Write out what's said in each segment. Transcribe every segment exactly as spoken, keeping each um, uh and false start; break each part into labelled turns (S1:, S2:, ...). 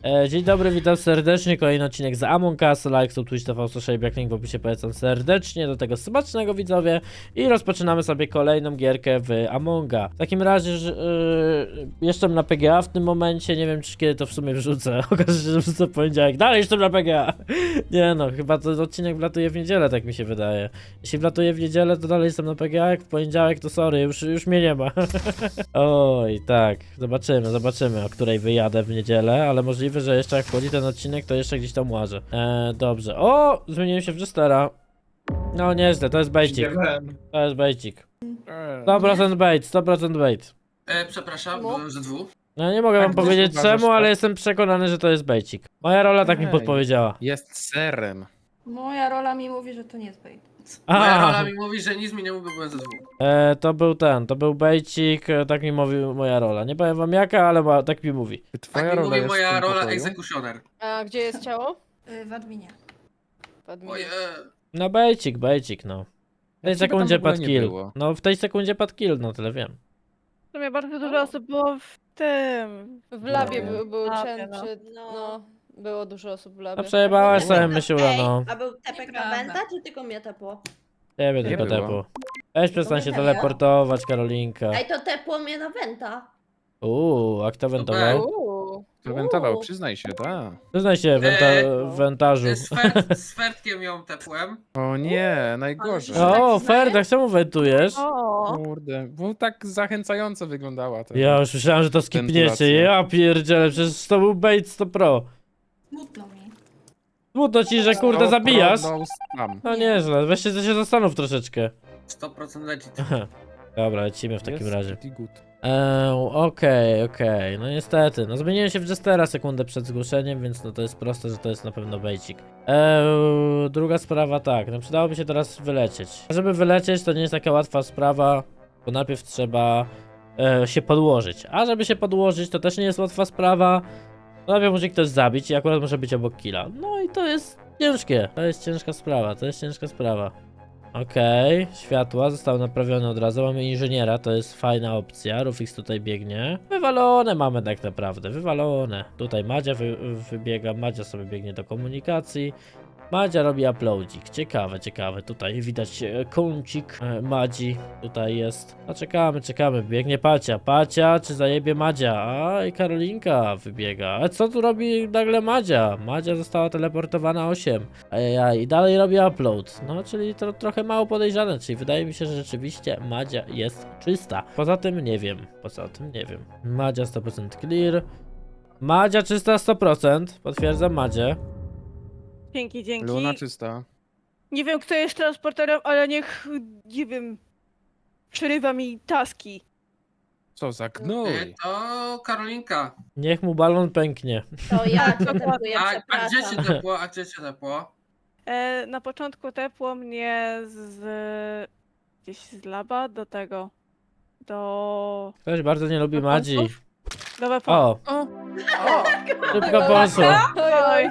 S1: E, dzień dobry, witam serdecznie, kolejny odcinek z Among Us, like, sub, twitch, tv, social, jak link w opisie, polecam serdecznie, do tego smacznego widzowie i rozpoczynamy sobie kolejną gierkę w Amonga. W takim razie, że, yy, jestem na P G A w tym momencie, nie wiem czy kiedy to w sumie wrzucę, okaże się, że wrzucę w poniedziałek, dalej jestem na P G A. Nie no, chyba to odcinek wlatuje w niedzielę, tak mi się wydaje. Jeśli wlatuje w niedzielę, to dalej jestem na P G A, jak w poniedziałek, to sorry, już, już mnie nie ma. Oj, tak, zobaczymy, zobaczymy, o której wyjadę w niedzielę, ale możliwe, że jeszcze jak wchodzi ten odcinek, to jeszcze gdzieś tam łażę. Eee, dobrze. O! Zmieniłem się w Jestera. No nieźle, to jest bejcik. To jest bejcik. sto procent bait, sto procent bait.
S2: E, przepraszam,
S3: No.
S2: byłem ze dwóch.
S1: No nie mogę
S4: Tak,
S1: wam
S4: gdzieś
S1: powiedzieć
S4: uważasz,
S1: czemu,
S4: tak?
S1: ale jestem przekonany, że to jest bejcik. Moja rola tak mi
S4: Ej.
S1: podpowiedziała.
S4: Jest serem.
S3: Moja rola mi mówi, że to nie jest bait.
S2: Moja rola
S1: A,
S2: mi mówi, że nic mi nie mówi, bo byłem ze dwóch.
S1: e, to był ten, to był bejcik, e, tak mi mówi moja rola. Nie powiem wam jaka, ale ma, tak mi mówi.
S4: Twoja
S2: Tak mi
S4: rola
S2: mówi
S4: jest w
S2: moja
S4: tym
S2: rola
S4: pokoju?
S2: egzekutioner.
S5: A gdzie jest ciało?
S3: Y, w adminie.
S5: W adminie.
S2: Oje.
S1: No bejcik, bejcik, no. W tej
S4: Jak ciebie tam
S1: sekundzie
S4: w ogóle
S1: padł
S4: nie
S1: kill.
S4: było?
S1: No w tej sekundzie padł kill, no tyle wiem.
S6: W sumie bardzo dużo osób było w tym.
S5: W labie
S4: No.
S5: był, był
S6: Labie,
S5: Chen,
S6: no.
S5: czy... No, było dużo osób w labie.
S1: No przejebałaś sobie
S7: Ej,
S1: myślula, no.
S7: A był tepek na
S3: Nieprawda.
S7: Wenta, czy tylko mnie tepło?
S1: Ciebie
S4: Nie
S1: tylko
S4: było.
S1: tepło. Weź przestań się
S7: mnie
S1: teleportować, Karolinka.
S7: Ej, to tepło mnie na Wenta.
S1: Uuu, a kto wentował?
S5: Uuu.
S4: To wentował,
S7: Uuu.
S4: przyznaj się, tak.
S1: Przyznaj się, wenta
S2: Eee,
S1: w wentarzu.
S2: Z, fert, z Fertkiem ją tepłem.
S4: O nie, najgorzej.
S7: Ale-
S1: O,
S7: tak
S1: Ferdak, czemu wentujesz?
S6: O,
S4: Kurde, bo tak zachęcająco wyglądała to.
S1: Ja już myślałem, że to skipniecie.
S4: Wentylacja.
S1: Ja pierdzielę, przecież to był bait sto pro.
S3: Smutno mi.
S1: Smutno ci, że kurde
S4: To
S1: zabijasz.
S4: pronął tam.
S1: No nieźle, weźcie się zastanów troszeczkę.
S2: sto procent legit.
S1: Dobra, lecimy w takim
S4: Jest
S1: razie.
S4: pretty good.
S1: Eee, okej, okej, no niestety, no zmieniłem się w Jestera sekundę przed zgłoszeniem, więc no to jest proste, że to jest na pewno bejcik. Eee, druga sprawa tak, no przydałoby się teraz wylecieć. A żeby wylecieć to nie jest taka łatwa sprawa, bo najpierw trzeba e, się podłożyć. A żeby się podłożyć to też nie jest łatwa sprawa, no najpierw musi ktoś zabić i akurat może być obok killa. No i to jest ciężkie, to jest ciężka sprawa, to jest ciężka sprawa. Okej, światła zostały naprawione od razu, mamy inżyniera, to jest fajna opcja, Rufix tutaj biegnie. Wywalone mamy tak naprawdę, wywalone. Tutaj Madzia wy, wybiega, Madzia sobie biegnie do komunikacji. Madzia robi uploadzik, ciekawe, ciekawe, tutaj widać e, kącik e, Madzi, tutaj jest. No czekamy, czekamy, biegnie Pacia, Pacia czy zajebie Madzia, a i Karolinka wybiega. A co tu robi nagle Madzia? Madzia została teleportowana osiem. Ej, i dalej robi upload. No, czyli to trochę mało podejrzane, czyli wydaje mi się, że rzeczywiście Madzia jest czysta. Poza tym nie wiem, poza tym nie wiem. Madzia sto procent clear. Madzia czysta sto procent, potwierdzam Madzie.
S6: dzięki, dzięki.
S4: Luna czysta.
S6: Nie wiem, kto jest transporterem, ale niech, nie wiem, przerywa mi taski.
S4: Co za gnój.
S2: E, to Karolinka.
S1: Niech mu balon pęknie.
S7: To ja cię
S6: dokładnie.
S7: tepuję,
S2: A, a gdzie cię
S7: przepraszam.
S2: tepło? A gdzie cię tepło?
S6: E, na początku tepło mnie z... gdzieś z laba do tego. Do...
S1: Ktoś bardzo nie lubi
S6: Do
S1: Madzi.
S6: końców? Do weapon.
S1: O,
S6: O. O.
S1: szybko poszło.
S6: Oj, oj,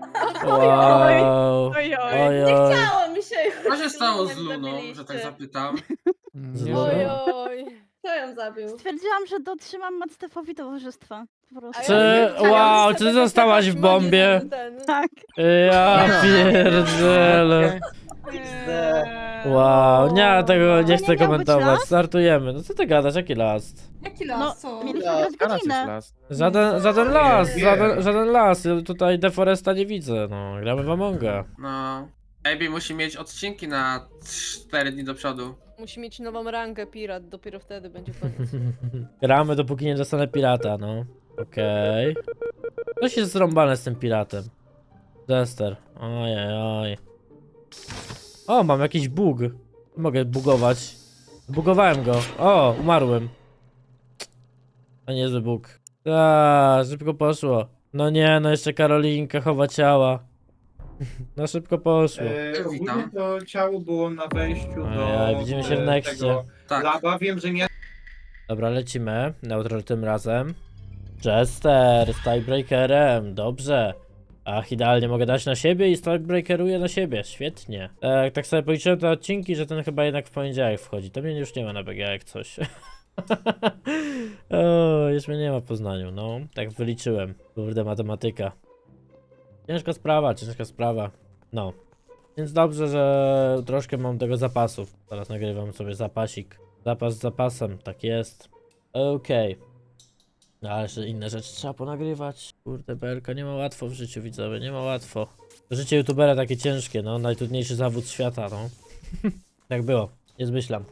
S1: Wow.
S6: oj, oj.
S1: Oj, oj.
S7: Chciało mi się już.
S2: Co się stało z
S7: Nie
S2: Luną,
S7: zabiliście.
S2: że tak zapytam?
S1: Z
S4: Nie
S1: Luną?
S4: wiem.
S5: Oj, oj.
S7: Kto ją zabił?
S8: Stwierdziłam, że dotrzymam Mactefowi towarzystwa. Po prostu.
S5: A
S1: Czy,
S5: ja-
S1: wow,
S5: ja
S1: czy
S5: sobie
S1: zostałaś w
S5: taka
S1: bombie?
S5: Madzie ten-
S8: Tak.
S1: Ja pierdzielę.
S6: Eee,
S1: Wow, nie, tego nie
S8: nie
S1: chcę
S8: miał być
S1: komentować.
S8: last?
S1: Startujemy. No co ty gadasz, jaki last?
S3: Jaki
S8: No,
S3: las, co?
S8: mieliśmy grać
S4: Teraz jest
S8: godzinę.
S4: las.
S1: Żaden, żaden las,
S2: Nie.
S1: żaden, żaden las. Ja tutaj Deforesta nie widzę, no. Gramy w Amonga.
S2: No. Maybe musi mieć odcinki na cztery dni do przodu.
S5: Musi mieć nową rangę pirat, dopiero wtedy będzie koniec.
S1: Gramy dopóki nie dostanę pirata, no. Okej. Coś jest zrąbane z tym piratem. Jester. Ojej, oj. O, mam jakiś bug. Mogę bugować. Bugowałem go. O, umarłem. To niezły bug. Ta, szybko poszło. No nie, no jeszcze Karolinka chowa ciała. No szybko poszło.
S9: E, ogólnie
S2: Witam.
S9: to ciało było na wejściu do
S1: Ojej, widzimy się w
S9: e,
S1: nexcie.
S9: tego
S2: Tak.
S9: laba. Wiem, że nie
S1: Dobra, lecimy. Neutral tym razem. Jester z tiebreakerem, dobrze. Ach, idealnie mogę dać na siebie i tiebreakeruję na siebie, świetnie. Tak, tak sobie policzyłem te odcinki, że ten chyba jednak w poniedziałek wchodzi. To mnie już nie ma na B G jak coś. O, już mnie nie ma w Poznaniu, no. Tak wyliczyłem. Kurde, matematyka. Ciężka sprawa, ciężka sprawa. No. Więc dobrze, że troszkę mam tego zapasu. Teraz nagrywam sobie zapasik. Zapas z zapasem, tak jest. Okej. No, ale jeszcze inne rzeczy trzeba ponagrywać. Kurde, Belka, nie ma łatwo w życiu, widzowie, nie ma łatwo. Życie youtubera takie ciężkie, no. Najtrudniejszy zawód świata, no. Tak było, nie zmyślam.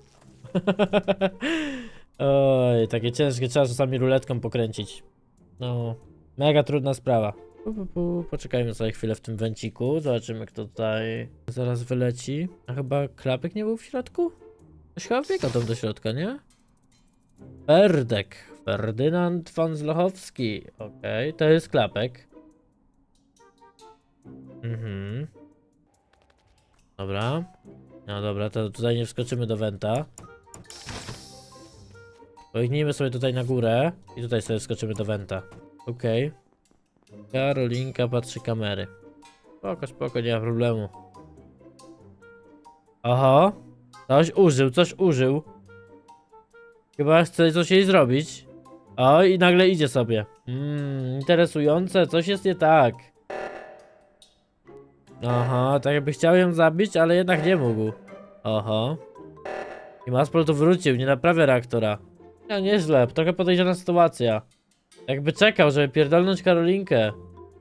S1: Oj, takie ciężkie, trzeba czasami ruletką pokręcić. No, mega trudna sprawa. Pu, pu, pu. Poczekajmy sobie chwilę w tym węciku, zobaczymy kto tutaj zaraz wyleci. A chyba Klapek nie był w środku? Ktoś chyba wbiegał tam do środka, nie? Ferdek, Ferdynand von Zlochowski. Okej, to jest Klapek. Mhm. Dobra. No dobra, to tutaj nie wskoczymy do Wenta. Pojgnijmy sobie tutaj na górę i tutaj sobie wskoczymy do Wenta. Okej. Karolinka patrzy kamery. Spoko, spoko, nie ma problemu. Oho. Coś użył, coś użył. Chyba chce coś jej zrobić. O, i nagle idzie sobie. Mmm, interesujące, coś jest nie tak. Aha, tak jakby chciał ją zabić, ale jednak nie mógł. Oho. I Maspol tu wrócił, nie naprawia reaktora. No nieźle, trochę podejrzana sytuacja. Jakby czekał, żeby pierdolnąć Karolinkę.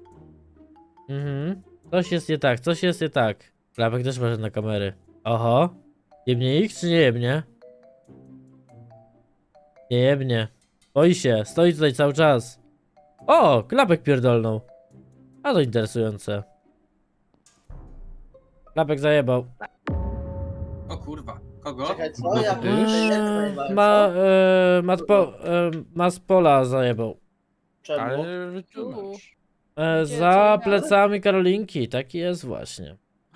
S1: Mhm. Coś jest nie tak, coś jest nie tak. Klapek też ma na kamery. Oho. Jebnie ich czy nie jebnie? Nie jebnie. Boi się, stoi tutaj cały czas. O, Klapek pierdolnął. A to interesujące. Klapek zajebał.
S2: O kurwa, kogo?
S10: Czekaj, co? Ja
S1: Eee, ma, e, matpo, e, Maspola zajebał.
S10: Czemu?
S4: Ale wytłumacz.
S1: E,
S5: Gdzie,
S1: za
S5: co?
S1: plecami Karolinki, taki jest właśnie.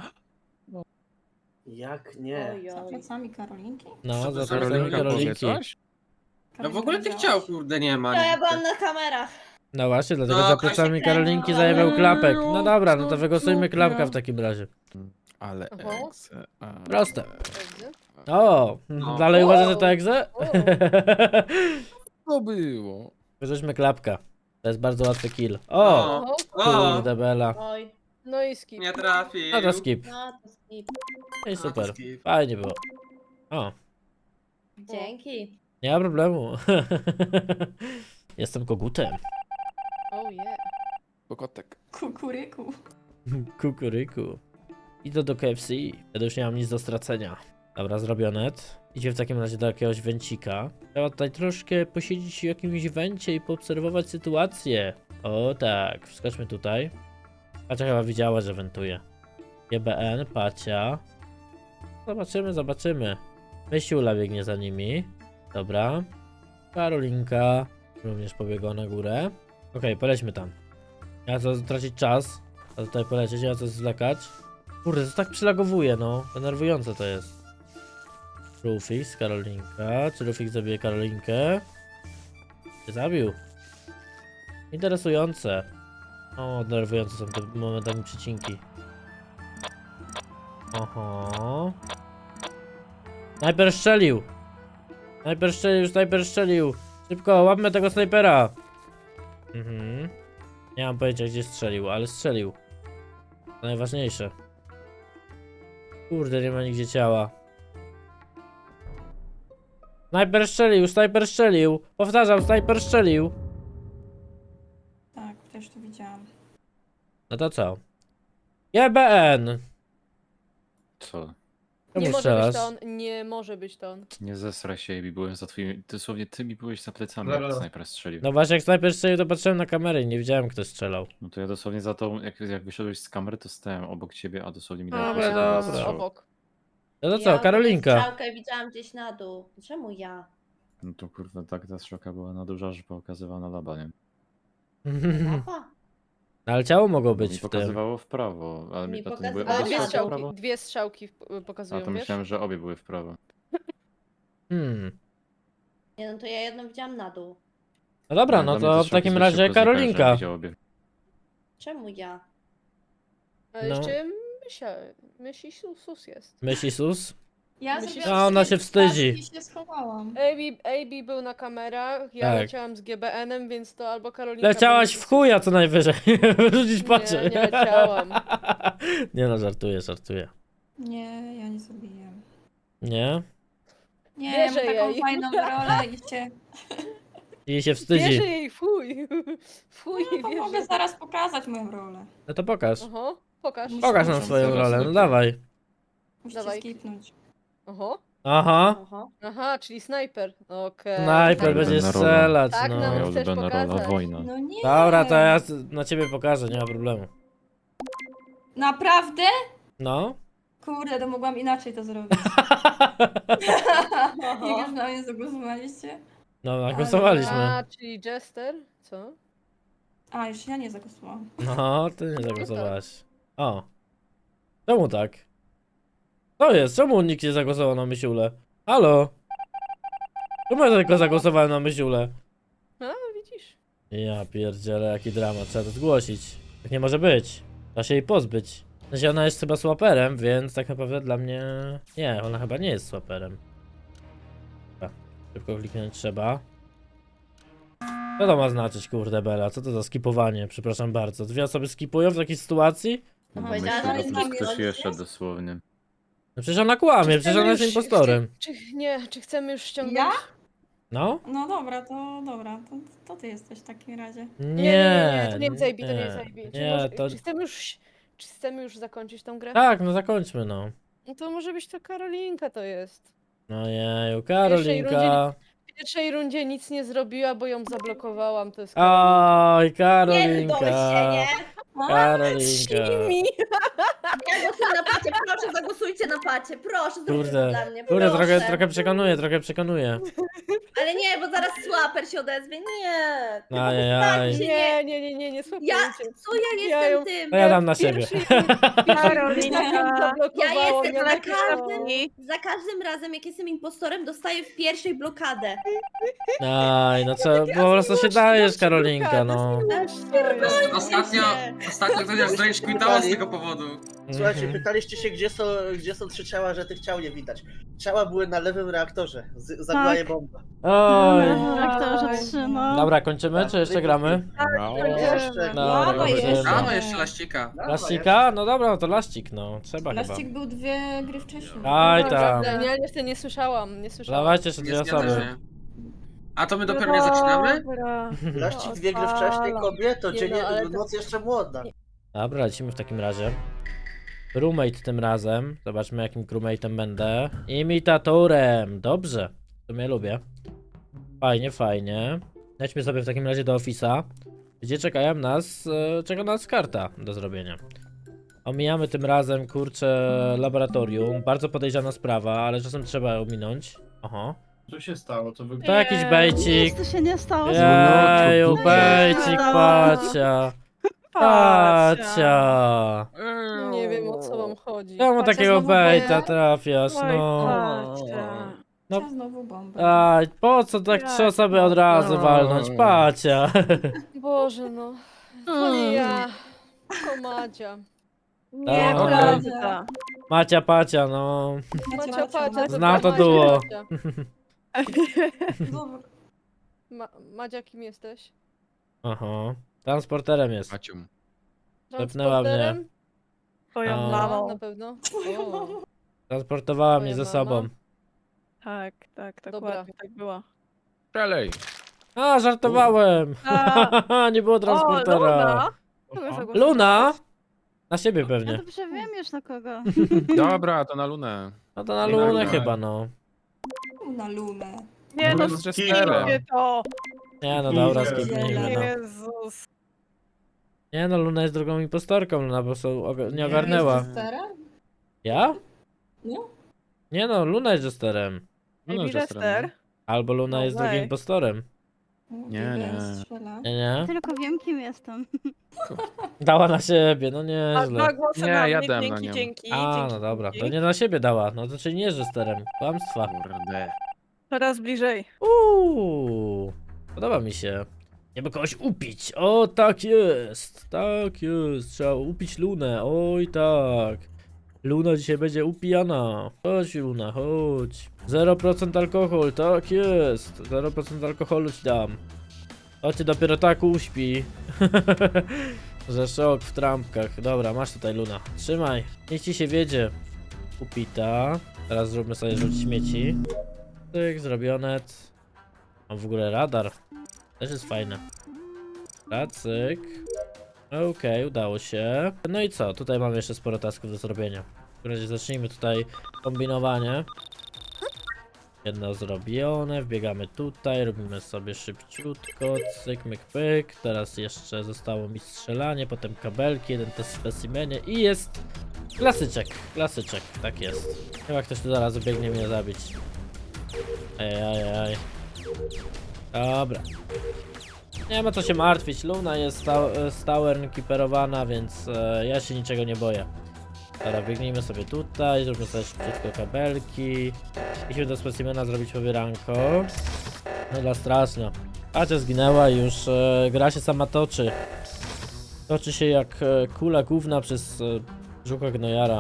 S10: Jak nie?
S7: Oj,
S3: Za
S7: oj.
S3: plecami Karolinki?
S1: No,
S2: Co to
S1: za
S2: za
S1: plecami
S4: Karolinka powie
S1: Karolinki.
S4: coś?
S2: No w ogóle tych ciał kurde nie ma.
S7: Ja
S2: nigdy.
S7: byłam na kamerach.
S1: No właśnie, dlatego
S2: No,
S1: za
S2: Kasia
S1: plecami
S7: Krema.
S1: Karolinki zajebał Klapek. No dobra, no to
S4: Co
S1: wygłosujmy
S4: to
S1: Klapka
S4: ja?
S1: w takim razie.
S4: Ale
S5: Oho.
S4: egze, a...
S1: Proste.
S5: Dobrze.
S1: O,
S2: No.
S1: dalej uważasz, że
S5: O.
S1: to egze?
S5: O.
S4: To było.
S1: Wyrzućmy Klapka. To jest bardzo łatwy kill. O,
S2: O,
S5: Oho.
S2: o,
S1: kurde bela.
S7: Oj,
S5: No i skip.
S2: nie trafił.
S1: No to skip.
S7: no to skip.
S1: No i
S2: No to
S1: super.
S2: skip.
S1: Fajnie było. O,
S7: Dzięki.
S1: nie ma problemu. Jestem kogutem.
S5: Oh yeah.
S4: Pokotek.
S3: Kukuryku.
S1: Kukuryku. Idę do K F C. Wtedy już nie mam nic do stracenia. Dobra, zrobione. Idzie w takim razie do jakiegoś węcika. Trzeba tutaj troszkę posiedzieć w jakimś węcie i poobserwować sytuację. O tak, wskoczmy tutaj. Pacia chyba widziała, że wentuje. G B N, Pacia. Zobaczymy, zobaczymy. Mysiula biegnie za nimi. Dobra. Karolinka również pobiegła na górę. Okej, polećmy tam. Ja chcę tracić czas. A tutaj polecieć, ja chcę zwlekać. Kurde, to tak przylagowuje, no. Denerwujące to jest. Rufix, Karolinka. Czy Rufix zabije Karolinkę? Czy zabił? Interesujące. O, denerwujące są te momentami przecinki. Oho. Snajper strzelił! Snajper strzelił, snajper strzelił! Szybko, łapmy tego snajpera! Mhm. Nie mam pojęcia gdzie strzelił, ale strzelił. To najważniejsze. Kurde, nie ma nigdzie ciała. Snajper strzelił, snajper strzelił! Powtarzam, snajper strzelił!
S3: Tak, też to widziałam.
S1: No to co? G B N!
S11: Co?
S1: Czemu
S5: Nie może
S1: strzelasz?
S5: być to on, nie może być to on.
S11: Nie zesraj się, Ebi, byłem za twoimi... Dosłownie ty mi byłeś za plecami,
S9: Dobra.
S11: jak snajper strzelił.
S1: No właśnie, jak snajper strzelił, to patrzyłem na kamerę i nie widziałem, kto strzelał.
S11: No to ja dosłownie za tą, jak, jak wyszedłeś z kamery, to stałem obok ciebie, a dosłownie mi
S1: Dobra,
S11: dałeś
S1: dobra.
S11: strzał.
S5: Obok.
S1: No to
S7: Ja
S1: co, Karolinka?
S7: strzałkę widziałam gdzieś na dół. Czemu ja?
S11: No to kurwa, tak ta strzałka była na duża, że pokazywała na laba, nie?
S7: Mapa?
S1: Ale ciało mogło
S11: Mi
S1: być w tym.
S11: pokazywało w prawo, ale
S7: Mi
S11: mi, a to
S7: pokaz-
S11: nie były
S7: ale
S5: Ale
S11: obie
S5: dwie
S7: na
S11: strzałki w
S5: strzałki,
S11: prawo?
S5: dwie strzałki w-
S11: A
S5: pokazują,
S11: to
S5: wiesz?
S11: myślałem, że obie były w prawo.
S1: Hmm.
S7: Nie no to ja jedną widziałam na dół.
S1: No dobra,
S11: Dla
S1: no
S11: mnie te
S1: to w
S11: strzałki
S1: takim
S11: zbyt
S1: razie
S11: szybko znikają, żebym
S1: Karolinka.
S11: widział obie.
S7: Czemu ja?
S5: A
S1: No.
S5: jeszcze myśla, myśli sus, sus jest.
S1: Myśli sus?
S3: Ja
S5: Myślisz-
S3: sobie
S1: A, ona
S3: od
S1: się
S3: swojej
S1: wstydzi.
S3: stacji się schowałam.
S5: A B, A B był na kamerach, ja
S1: Tak.
S5: leciałam z G B N-em, więc to albo Karolinka...
S1: Leciałaś
S5: będzie-
S1: w chuja co najwyżej. Wyrzucić
S5: Nie,
S1: patrzę.
S5: nie leciałam.
S1: Nie no, żartuję, żartuję.
S3: Nie, ja nie zrobiłem.
S1: Nie?
S3: Nie,
S5: Bierze
S3: mam taką
S5: jej.
S3: fajną rolę i się...
S1: I się
S5: Bierze
S1: wstydzi.
S5: jej, fuj. Fuj,
S3: No, to mogę
S5: bierze.
S3: zaraz pokazać moją rolę.
S1: No to pokaż.
S5: Oho, pokaż.
S1: Pokaż nam
S3: Muszę
S1: swoją
S3: zaraz
S1: rolę, no
S4: sobie-
S1: dawaj.
S3: Musicie
S5: Dawaj.
S3: skipnąć.
S5: Oho.
S1: Aha.
S7: Aha.
S5: Aha, czyli snajper. Okej.
S1: Snajper
S3: tak.
S1: będzie
S11: Ulubiona rola.
S1: strzelać,
S5: Tak,
S1: no.
S5: no.
S11: Moja
S5: chcesz
S11: ulubiona rola,
S5: pokazać?
S11: wojna.
S3: No nie.
S1: Dobra, to ja na ciebie pokażę, nie ma problemu.
S3: Naprawdę?
S1: No.
S3: Kurde, to mogłam inaczej to zrobić. Jak już na mnie zagłosowaliście?
S1: No, nagłosowaliśmy.
S5: A, czyli Jester? Co?
S3: A, już ja nie zagłosowałam.
S1: No, ty nie zagłosowałaś. O. Czemu tak? Co jest? Czemu nikt nie zagłosował na Mysiule? Halo? Czemu ja tylko zagłosowałem na Mysiule?
S5: A, widzisz.
S1: Ja pierdzielę, jaki dramat, trzeba to zgłosić. Tak nie może być. Trzeba się jej pozbyć. W sensie ona jest chyba swaperem, więc tak naprawdę dla mnie... Nie, ona chyba nie jest swaperem. Dobra, szybko kliknąć trzeba. Co to ma znaczyć, kurde Bela? Co to za skipowanie? Przepraszam bardzo. Dwie osoby skipują w takiej sytuacji?
S11: No
S7: Powiedziała,
S11: myślę,
S7: że
S11: że
S7: jest
S11: plus
S7: nami
S11: ktoś
S7: rodzic
S11: jeszcze
S7: jest?
S11: dosłownie.
S1: No przecież ona kłamie, przecież ona jest
S5: Chcemy już-
S1: impostorem.
S5: Czy, czy, nie, czy chcemy już ściągnąć?
S3: Ja?
S1: No?
S3: No dobra, to dobra, to, to ty jesteś w takim razie.
S1: Nie,
S5: Nie, nie, nie, to nie jest A B, to nie jest A B. Czy,
S1: Nie,
S5: może,
S1: to...
S5: czy, chcemy już, czy chcemy już zakończyć tą grę?
S1: Tak, no zakończmy, no.
S5: No to może być to Karolinka to jest.
S1: No jeju, Karolinka.
S5: rundzie W pierwszej rundzie nic nie zrobiła, bo ją zablokowałam, to jest Karolinka.
S1: Oj,
S7: Nie
S1: Karolinka.
S7: się, nie?
S1: Karolinka.
S5: Shimi.
S7: Ja głosuję na pacie, proszę zagłosujcie na pacie, proszę zróbcie to
S1: Kurde,
S7: dla mnie,
S1: kurde,
S7: proszę.
S1: trochę, trochę przekonuje, trochę przekonuje.
S7: Ale nie, bo zaraz Słaper się odezwie, nie.
S1: Ajajaj.
S7: Zostańcie,
S5: Nie, nie, nie, nie, nie
S7: Ja,
S5: słuchajcie.
S7: co ja
S5: Ja
S7: jestem
S5: ją-
S7: tym?
S1: To ja dam na
S5: w
S1: siebie.
S5: pierwszej rundzie-
S6: Karolinka.
S7: Ja jestem
S5: mnie
S7: za
S5: na
S7: każdym,
S6: I-
S7: za każdym razem, jak jestem impostorem, dostaję w pierwszej blokadę.
S1: Aj, no co, po prostu się dajesz, Karolinka, no.
S2: Ostatnio, ostatnio ktoś aż zrobić quitało z tego powodu.
S10: Słuchajcie,
S1: Mhm.
S10: pytaliście się, gdzie są, gdzie są trzy ciała, że tych ciał nie widać. Ciała były na lewym reaktorze. Z- Zagłaje bomba.
S1: Oj.
S8: Reaktorze trzy, no.
S1: Dobra, kończymy, czy jeszcze gramy?
S4: No.
S10: Jeszcze.
S1: No,
S3: Dawaj
S1: kończymy.
S3: jeszcze.
S2: A, no jeszcze laścika.
S10: Dawaj,
S1: Laścika? No dobra, no to laścik, no. Trzeba chyba.
S3: Laścik był dwie gry wcześniej.
S1: Aj tam.
S5: Nie, jeszcze nie słyszałam, nie słyszałam.
S1: Dawajcie jeszcze
S2: Nie
S1: dwie
S2: zgadza
S1: osoby.
S2: się. A to my dopiero nie zaczynamy?
S6: Dobra.
S10: Laścik dwie gry wcześniej, kobieto,
S5: Nie
S10: dzień,
S5: no, ale to-
S10: noc jeszcze młoda.
S1: Dobra, lecimy w takim razie. Crewmate tym razem. Zobaczmy jakim crewmate'em będę. Imitatorem. Dobrze. To mnie lubię. Fajnie, fajnie. Lećmy sobie w takim razie do ofisa, gdzie czekają nas, e, czeka nas karta do zrobienia. Omijamy tym razem, kurczę, laboratorium. Bardzo podejrzana sprawa, ale czasem trzeba ominąć. Oho.
S9: Co się stało? To wy...
S1: To jakiś
S6: Nie.
S1: bejcik.
S8: Nic tu się nie stało.
S1: Jeju,
S11: No,
S1: bejcik,
S8: no.
S1: pacia. Pacia.
S5: Nie wiem, o co wam chodzi.
S1: Czemu
S3: Pacia
S1: takiego
S3: znowu
S1: bejta
S3: bombę?
S1: trafiasz,
S6: Oj,
S1: no?
S6: patrzcie.
S1: No.
S3: Ja znowu bombę.
S1: Aj, po co tak trzy osoby od razu walnąć? Pacia.
S5: Boże no. To nie ja. To Madzia.
S6: Nieprawda.
S1: Macia, pacia, no.
S5: Macia Pacia.
S1: Znam to
S5: Madzia
S1: duo.
S5: Pacia.
S3: Dobra.
S5: Ma Madzia, kim jesteś?
S1: Aha. Transporterem jest.
S4: Macium.
S1: Zepnęła mnie.
S5: Transporterem?
S6: Twoją
S1: A.
S5: A,
S6: mamą.
S5: na pewno. O.
S1: Transportowała mnie
S5: Twoja
S1: ze
S5: mama?
S1: sobą.
S6: Tak, tak,
S5: Dobra.
S6: dokładnie tak było.
S4: Przelej.
S1: A, żartowałem.
S6: A.
S1: Nie było
S6: O,
S1: transportera.
S6: Luna! Kogo zagłosowałaś?
S1: Luna? Na siebie
S8: Ja
S1: pewnie.
S8: dobrze wiem już na kogo.
S4: Dobra, to na lunę.
S1: No to na
S4: Nie
S1: Lunę
S4: Lunę.
S1: chyba, no.
S3: Na lunę.
S6: Nie no,
S4: Luna z Jesterem.
S6: skipcie to!
S1: Nie no, dobra,
S9: Jezu.
S1: skipnijmy, no.
S6: Jezus.
S1: Nie no, Luna jest drugą impostorką, Luna po prostu oga- nie
S9: Nie,
S1: ogarnęła.
S3: Jest Jesterem?
S1: Ja?
S3: No.
S1: Nie no, Luna jest Jesterem.
S4: Luna
S6: Maybe
S4: z Jesterem,
S6: Jester.
S1: Albo Luna
S6: No
S1: jest drugim
S6: way.
S1: impostorem.
S4: Nie, nie.
S3: Strzela.
S1: Nie, nie?
S8: Tylko wiem kim jestem.
S1: Dała na siebie, no
S6: A
S1: nieźle.
S6: dwa głosy
S4: Nie,
S6: na
S4: ja
S6: mnie,
S4: dam na
S6: dzięki,
S4: nią.
S6: dzięki,
S1: A,
S6: dzięki,
S1: no dobra, to
S6: dzięki.
S1: nie na siebie dała, no to czyli nie jest Jesterem. Kłamstwa.
S4: Kurde.
S6: Coraz bliżej.
S1: Uuu, podoba mi się. Żeby kogoś upić. O, tak jest. Tak jest. Trzeba upić Lunę. Oj, tak. Luna dzisiaj będzie upijana. Chodź Luna, chodź. zero procent alkohol, tak jest. zero procent alkoholu ci dam. To cię dopiero tak uśpi. Że szok w trampkach. Dobra, masz tutaj Luna. Trzymaj. Niech ci się wiedzie. Upita. Teraz zróbmy sobie rzut śmieci. Tyk, zrobione. Mam w ogóle radar. Też jest fajne. Racyk. Okej, okay, udało się. No i co? Tutaj mamy jeszcze sporo tasków do zrobienia. W każdym razie zacznijmy tutaj kombinowanie. Jedno zrobione, wbiegamy tutaj, robimy sobie szybciutko, cyk, myk, pyk. Teraz jeszcze zostało mi strzelanie, potem kabelki, jeden test specimenie i jest klasyczek, klasyczek, tak jest. Chyba ktoś tu zaraz biegnie mnie zabić. Ej, ej, ej. Dobra. Nie ma co się martwić, Luna jest sta stałern kiperowana, więc e, ja się niczego nie boję. Dobra, biegnijmy sobie tutaj, zróbmy sobie szybciutko kabelki. Musimy do specimena zrobić pobieranko. No dla straszna. Acia zginęła i już e, gra się sama toczy. Toczy się jak e, kula główna przez e, brzucha gnojara.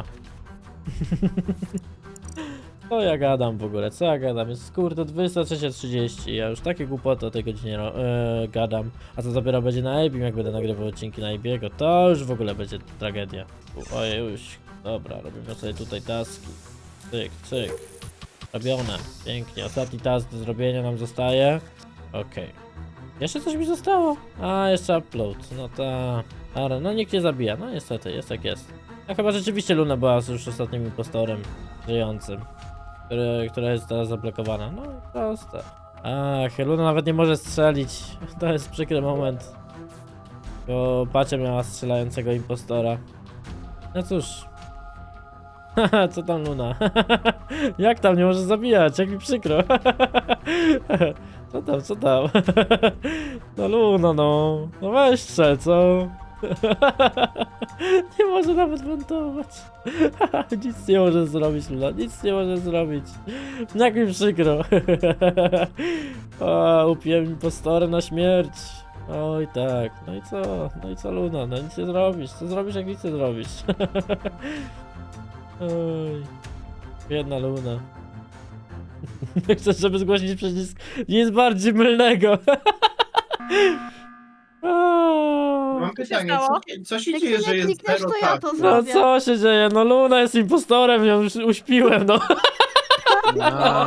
S1: Co ja gadam w ogóle, co ja gadam? Jest kurde dwudziesta trzecia trzydzieści, ja już takie głupoty o tej godzinie e, gadam. A co dopiero będzie na Ebim, jak będę nagrywał odcinki na Ebiego, to już w ogóle będzie tragedia. Ojej, już. Dobra, robimy sobie tutaj taski. Cyk, cyk. Robione, pięknie. Ostatni task do zrobienia nam zostaje. Okej. Okay. Jeszcze coś mi zostało? A, jeszcze upload. No ta. Ale no nikt nie zabija. No niestety, jest jak jest. A chyba rzeczywiście Luna była już ostatnim impostorem żyjącym. Który, która jest teraz zablokowana. No i proste. Ach, Luna nawet nie może strzelić. To jest przykry moment. Bo Pacia miała strzelającego impostora. No cóż. Haha, co tam Luna? Jak tam nie możesz zabijać? Jak mi przykro. Co tam, co tam? No Luna, no. No weź strzel, co? Nie może nawet montować. Nic nie może zrobić, Luna. Nic nie może zrobić. Jak mi przykro. O, upiłem impostorem na śmierć. Oj tak. No i co? No i co Luna? No nic nie zrobisz. Co zrobisz, jak nic nie zrobisz? Oj, biedna Luna. Chcesz, żeby zgłosić przycisk nic bardziej mylnego.
S9: Mam
S6: Co się
S9: pytanie,
S6: stało?
S9: co, co się
S8: Jak
S9: dzieje,
S8: ty
S9: że
S8: nie
S9: jest
S8: klikniesz,
S9: zero
S8: to ja to
S9: tak?
S1: No
S8: zrobię.
S1: co się dzieje? No Luna jest impostorem, ją już uśpiłem, no.
S4: A,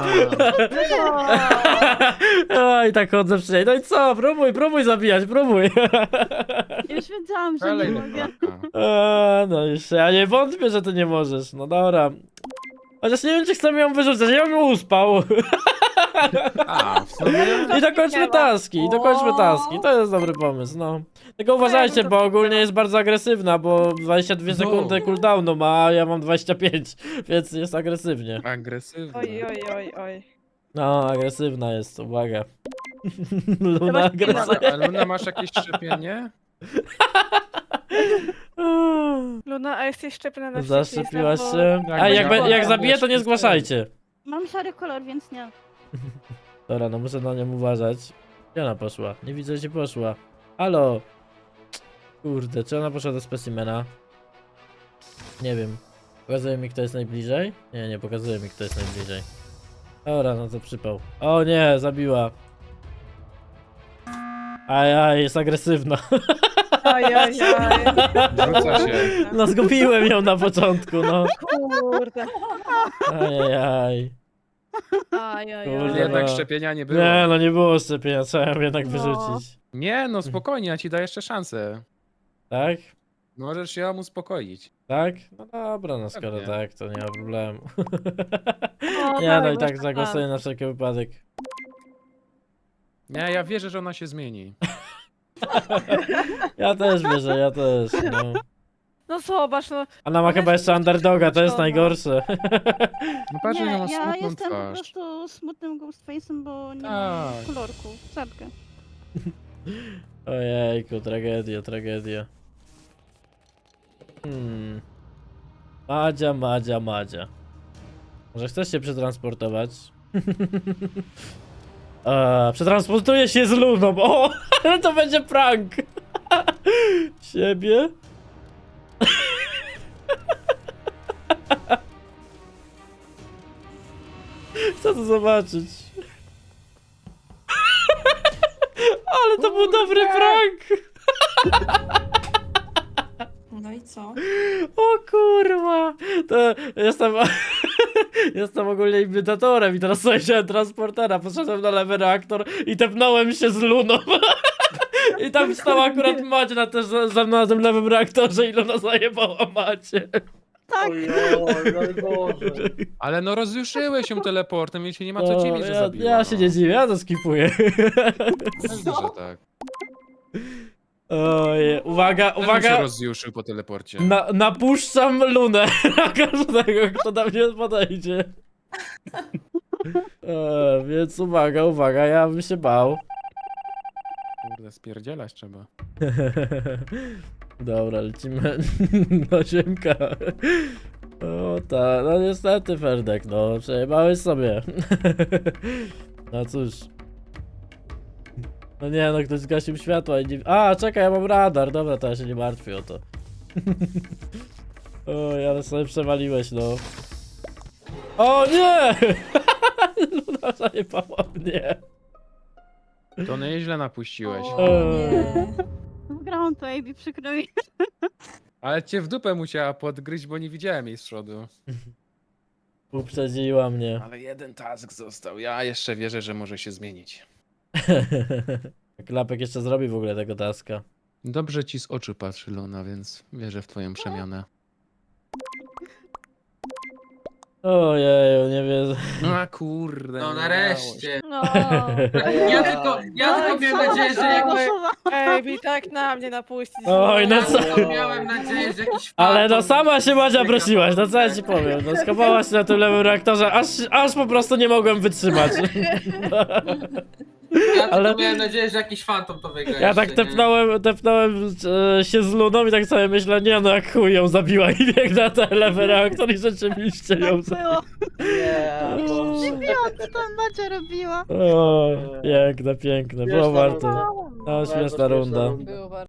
S1: Oj, tak chodzę przecież. No i co? Próbuj, próbuj zabijać, próbuj.
S8: Już wiedziałam, że
S4: strzelej
S8: nie
S4: do
S8: mogę.
S4: chłopaka.
S1: A, no już ja nie wątpię, że ty nie możesz. No dobra. Chociaż nie wiem, czy chcemy ją wyrzucać, ja bym ją uspał.
S4: A, w sumie...
S1: I dokończmy taski, i dokończmy taski. To jest dobry pomysł, no. Tylko uważajcie, bo ogólnie jest bardzo agresywna, bo dwadzieścia dwie
S4: No.
S1: sekundy cooldownu ma, a ja mam dwadzieścia pięć, więc jest agresywnie.
S4: Agresywny.
S6: Oj, oj, oj, oj.
S1: No, agresywna jest, uwaga. Luna
S6: Chyba
S1: agresywna.
S4: A Luna, masz jakieś szczepienie?
S6: Luna, a jesteś szczepiona na
S1: Zaszczepiłaś
S6: wszystkich,
S1: się?
S6: bo-
S1: A jak, be- jak
S4: Ja
S1: zabiję, to nie
S4: będę
S1: zgłaszajcie.
S8: Mam szary kolor, więc nie.
S1: Dobra, no muszę na nią uważać. Gdzie ona poszła? Nie widzę, gdzie poszła. Halo? Kurde, czy ona poszła do specimena? Nie wiem. Pokazuje mi, kto jest najbliżej? Nie, nie pokazuje mi, kto jest najbliżej. Dobra, no to przypał. O nie, zabiła. Aj, aj, jest agresywna.
S6: Oj, oj, oj.
S4: Rzuca się.
S1: No zgubiłem ją na początku, no.
S6: Kurde.
S1: Aj, aj, aj.
S6: Aj, aj,
S1: Kurde,
S6: aj.
S4: Jednak
S1: no.
S4: szczepienia nie było.
S1: Nie, no nie było szczepienia, trzeba ją jednak
S6: No.
S1: wyrzucić.
S4: Nie, no spokojnie, ja ci daję jeszcze szansę.
S1: Tak?
S4: Możesz się ją uspokoić.
S1: Tak? No dobra, no skoro
S4: Pewnie.
S1: tak, to nie ma problemu.
S6: O,
S1: Nie, no
S6: dawaj,
S1: i tak
S6: masz
S1: zagłosuję na wszelki wypadek.
S4: Nie, ja wierzę, że ona się zmieni.
S1: Ja też wierzę, ja też, no.
S6: No zobacz, no.
S1: Ona ma chyba jeszcze underdoga, to jest najgorsze.
S4: No patrz,
S8: Nie,
S4: że ma
S8: ja
S4: smutną
S8: jestem po
S4: twarz.
S8: prostu smutnym ghostface'em, bo nie
S4: Tak.
S8: mam kolorku. Czapkę.
S1: Ojejku, tragedia, tragedia. Hmm. Madzia, Madzia, Madzia. Może chcesz się przetransportować? Eee, przetransportuję się z Luną. O, ale to będzie prank. Siebie? Chcę to zobaczyć. Ale to był dobry prank!
S3: No i co?
S1: O kurwa! To jestem... Jestem ogólnie imitatorem i teraz sobie wziąłem transportera, poszedłem na lewy reaktor i tepnąłem się z Luną. I tam stała akurat Macie też za, za mną na tym lewym reaktorze i Luna zajebała Macie.
S8: Tak.
S10: Ojoj, najgorzej.
S4: Ale no rozjuszyłeś ją teleportem, więc się nie ma co
S1: No,
S4: dziwić, że
S1: ja,
S4: zabiła.
S1: ja się
S4: no.
S1: nie dziwię, ja to skipuję.
S4: Pewnie, że tak.
S1: Oj, uwaga,
S4: Też bym się
S1: uwaga!
S4: rozjuszył po teleporcie.
S1: Na, napuszczam Lunę na każdego, kto do mnie podejdzie. E, więc uwaga, uwaga, ja bym się bał.
S4: Kurde, spierdzielać trzeba.
S1: Dobra, lecimy do ziemka. O tak, no niestety Ferdek, no przejebałeś sobie. No cóż. No nie, no ktoś zgasił światła i nie... A, czekaj, ja mam radar, dobra, to ja się nie martwię o to. Oj, ale sobie przewaliłeś, no. O nie! Luna zajebała mnie.
S4: To nieźle napuściłeś.
S3: O nie.
S8: Wygrałam to, A B, przykro mi.
S4: Ale cię w dupę musiała podgryźć, bo nie widziałem jej z przodu.
S1: Uprzedziła mnie.
S4: Ale jeden task został. Ja jeszcze wierzę, że może się zmienić.
S1: Klapek jeszcze zrobi w ogóle tego taska.
S4: Dobrze ci z oczu patrzy Luna, więc wierzę w twoją przemianę.
S1: Ojeju, nie wiem.
S4: No a kurde.
S2: No
S4: nie
S2: nareszcie.
S6: No,
S2: Ja tylko, ja tylko miałem nadzieję, że jakby...
S6: Ejbi, tak na mnie napuścić.
S1: Oj, no
S2: Ja
S1: co?
S2: tylko miałem nadzieję, że jakiś
S1: Ale no
S2: fantom
S1: sama się Madzia
S2: zbiega
S1: prosiłaś, no
S2: po-
S1: co ja ci powiem. No skopałaś się na tym lewym reaktorze, aż, aż po prostu nie mogłem wytrzymać.
S2: Ja tylko
S1: ale-
S2: miałem nadzieję, że jakiś fantom to wygra.
S1: Ja tak
S2: jeszcze, nie?
S1: tepnąłem, tepnąłem e, się z Luną i tak sobie myślę, nie no jak chuj ją zabiła i biegł na ten lewy reaktor i rzeczywiście ją zabiła.
S8: Było.
S10: Nie, Boże.
S8: Mówiłam, co tam Macia robiła.
S1: O, piękne, piękne, było
S10: Śmieszna
S1: warto.
S10: runda.
S1: No,
S10: Bardzo
S1: śmieszna runda.
S5: Było bardzo.